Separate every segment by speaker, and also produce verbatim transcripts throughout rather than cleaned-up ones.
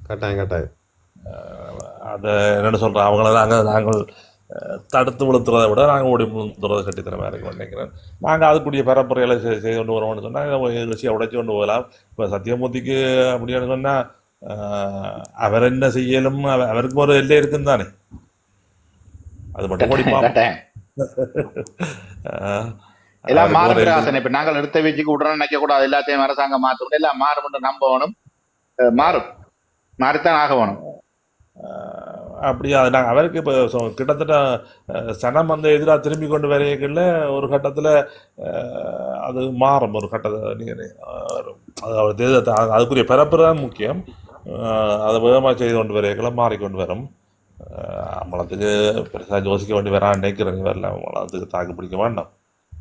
Speaker 1: கட்டாயம் கட்டாயம்.
Speaker 2: அதை என்னென்னு சொல்கிறேன், அவங்கள நாங்கள் நாங்கள் தடுத்து விழுத்துறதை விட நாங்கள் ஓடி விழுத்துறதை கட்டித்தரமாக இருக்குன்னு நினைக்கிறேன். நாங்கள் அதுக்குரிய பரப்புரைகளை செய்து கொண்டு வரோம்னு சொன்னால் விஷயம் உடைச்சி கொண்டு போகலாம். இப்போ சத்தியமூர்த்திக்கு அப்படின்னு சொன்னால் அவர் என்ன செய்யலும், அவருக்கு ஒரு எல்லை இருக்குன்னு தானே, அது மட்டும் ஓடி
Speaker 3: எல்லாம் மாறும். இப்ப நாங்கள் எடுத்த வீச்சுக்கு உடனே நினைக்க கூடாது, எல்லாத்தையும் அரசாங்கம் மாற்றணும், எல்லாம் மாறும் என்று நம்பணும். மாறும், மாறித்தான் ஆக வேணும்.
Speaker 2: அப்படியா? அது நாங்கள் அவருக்கு இப்போ கிட்டத்தட்ட சனம் வந்து எதிராக திரும்பி கொண்டு வரையக்குள்ள ஒரு கட்டத்தில் அது மாறும். ஒரு கட்டத்தை நீங்கள் அது அதுக்குரிய பரப்பு தான் முக்கியம். அதை வேகமாக செய்து கொண்டு வரையக்குள்ள மாறிக்கொண்டு வரும். அம்பலத்துக்கு பெருசாக யோசிக்க வேண்டி வரான்னு நினைக்கிறேன். வரல அம்பலத்துக்கு தாக்கு பிடிக்க வேண்டாம்.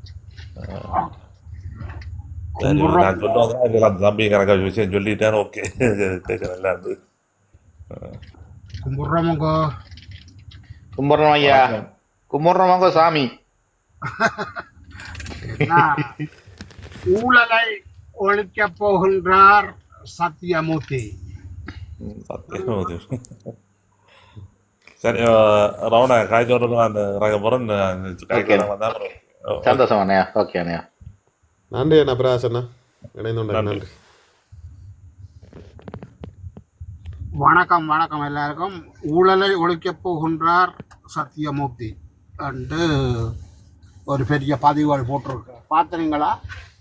Speaker 2: நான் சொல்லுவாங்க அந்த தம்பி கணக்காக விஷயம் சொல்லிட்டேன். ஓகே, கேட்க நல்லா இருந்து.
Speaker 4: கும்பிட்றோமங்கோ
Speaker 3: கும்பிட்றோம் ஐயா, கும்பிட்றோமங்கோ சாமி.
Speaker 4: ஊழலை ஒழிக்க போகின்றார் சத்தியமூர்த்தி.
Speaker 2: சத்தியமூர்த்தி சரி. ரவண காய்ச்சோடு அந்த ரகபுரம்
Speaker 3: சந்தோஷம் அண்ணையா. ஓகே அண்ணையா,
Speaker 1: நன்றி அண்ணா. பிரகாசண்ணா இணைந்து நன்றி.
Speaker 4: வணக்கம் வணக்கம் எல்லாருக்கும். ஊழலை ஒழிக்கப் போகின்றார் சத்தியமூர்த்தி என்று ஒரு பெரிய பதிவுகள் போட்டிருக்கார். பார்த்தீங்களா?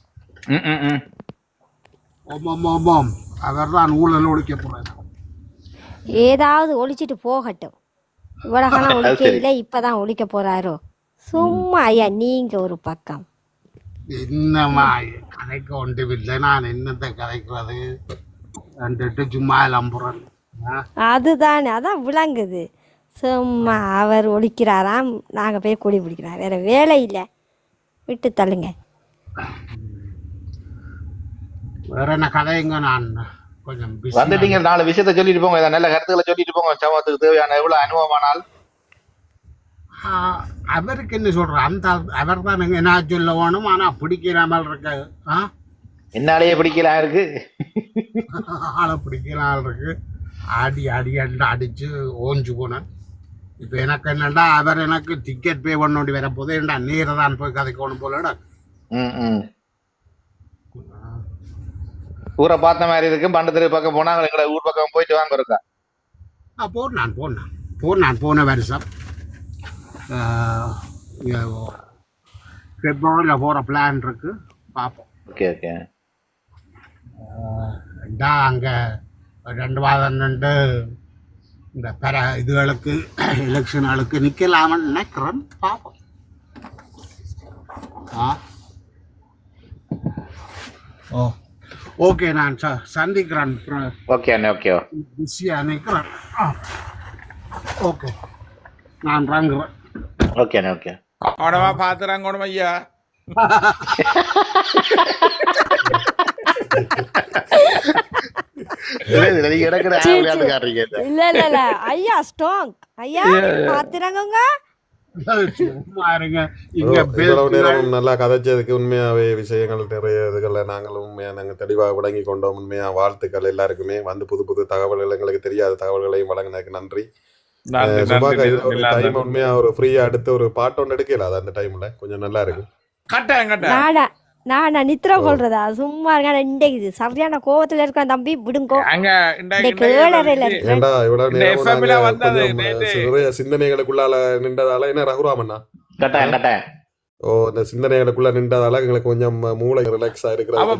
Speaker 4: ஓமாம் ஓமாம், அவர் தான் ஊழல் ஒழிக்க போறார்.
Speaker 5: ஏதாவது ஒழிச்சிட்டு போகட்டும், இவ்வளவு ஒழிக்க இல்லை, இப்பதான் ஒழிக்க போறாரோ? சும்மா ஐயா, நீங்க ஒரு பக்கம்.
Speaker 4: என்னமா கதைக்கு ஒன்றுமில்லை, நான் என்னத்தை கதைக்கிறது ரெண்டு சும்மா லம்புறேன்.
Speaker 5: அதுதானே, அதான் விளங்குது. சும்மா அவர் ஒழிக்கிறாராம், நாங்கள் போய் கொடி பிடிக்கிறோம், வேற வேலை இல்லை, விட்டு தள்ளுங்க.
Speaker 4: வேற என்ன கதைங்க? நான் கொஞ்சம்
Speaker 3: வந்துட்டீங்க, நாலு விஷயத்த சொல்லிட்டு போங்க, நல்ல கருத்துக்களை சொல்லிட்டு போங்க. சமூகத்துக்கு தேவையான எவ்வளவு அனுபவமானால்.
Speaker 4: அவருக்கு என்ன சொல்ற, அந்த அவர் தான் என்ன சொல்ல வேணும். ஆனா பிடிக்கிறாமல் இருக்க,
Speaker 3: என்னாலேயே பிடிக்கலாம் இருக்கு,
Speaker 4: ஆளை பிடிக்கலாம் இருக்கு. அடி அடி அடி அடிச்சு ஓஞ்சு போனேன். இப்போ எனக்கு என்னண்டா, அவர் எனக்கு டிக்கெட் பே பண்ண வேண்டி வர போது ஏன்டா நேர தான் போய் கதைக்கணும் போலடா.
Speaker 3: ஊரை பார்த்த மாதிரி இருக்கு. பண்டத்திற்கு பக்கம் போனா எங்களை ஊர் பக்கம் போயிட்டு வாங்க இருக்கா.
Speaker 4: ஆ போன் நான் போனேன் போன் நான் போன வருஷம் பிப்ரவரியில் போகிற பிளான் இருக்கு, பார்ப்போம்.
Speaker 3: Okay okay.
Speaker 4: அங்கே ரெண்டு வாரம் ரெண்டு இந்த பெற இதுகளுக்கு எலெக்ஷன்களுக்கு நிற்கலாமன்னு நினைக்கிறேன், பார்ப்போம். ஆ ஓ ஓகே, நான் ச சந்திக்கிறேன்.
Speaker 3: ஓகே அண்ணே, ஓகே.
Speaker 4: பிஸியாக நிற்கிறேன். ஓகே, நான் வாங்குறேன்.
Speaker 3: ஓகே அண்ணே, ஓகே.
Speaker 6: அவனவா பார்த்துறாங்க ஐயா.
Speaker 5: இல்ல இல்ல இல்ல ஐயா, ஸ்ட்ராங் ஐயா, பாத்துறாங்க.
Speaker 1: நல்லா கதைச்சதுக்கு உண்மையாவே விஷயங்கள் நிறைய இதுகளை நாங்களும் உண்மையா நாங்க தெளிவாக விளங்கி கொண்டோம். உண்மையா வாழ்த்துக்கள் எல்லாருக்குமே. வந்து புது புது தகவல்கள், எங்களுக்கு தெரியாத தகவல்களையும் வழங்கினதுக்கு நன்றி. டைம் உண்மையா ஒரு ஃப்ரீயா அடுத்து ஒரு பாட்டு ஒன்று எடுக்கல, அது அந்த டைம்ல கொஞ்சம் நல்லா இருக்கு.
Speaker 5: நான் நித்திர கொள்றதா சும்மா இருக்க. இன்றைக்கு சரியான கோவத்துல இருக்க தம்பி, விடுங்கோ.
Speaker 1: சிந்தனைகளுக்குள்ளால நின்றதால என்ன ரகுராமண்ணா
Speaker 3: கட்டாயம் கட்டாயம்
Speaker 1: ஓ இந்த சிந்தனைகளுக்குள்ள நின்றதால எங்களுக்கு கொஞ்சம் மூளை ரிலாக்ஸா இருக்கிறது.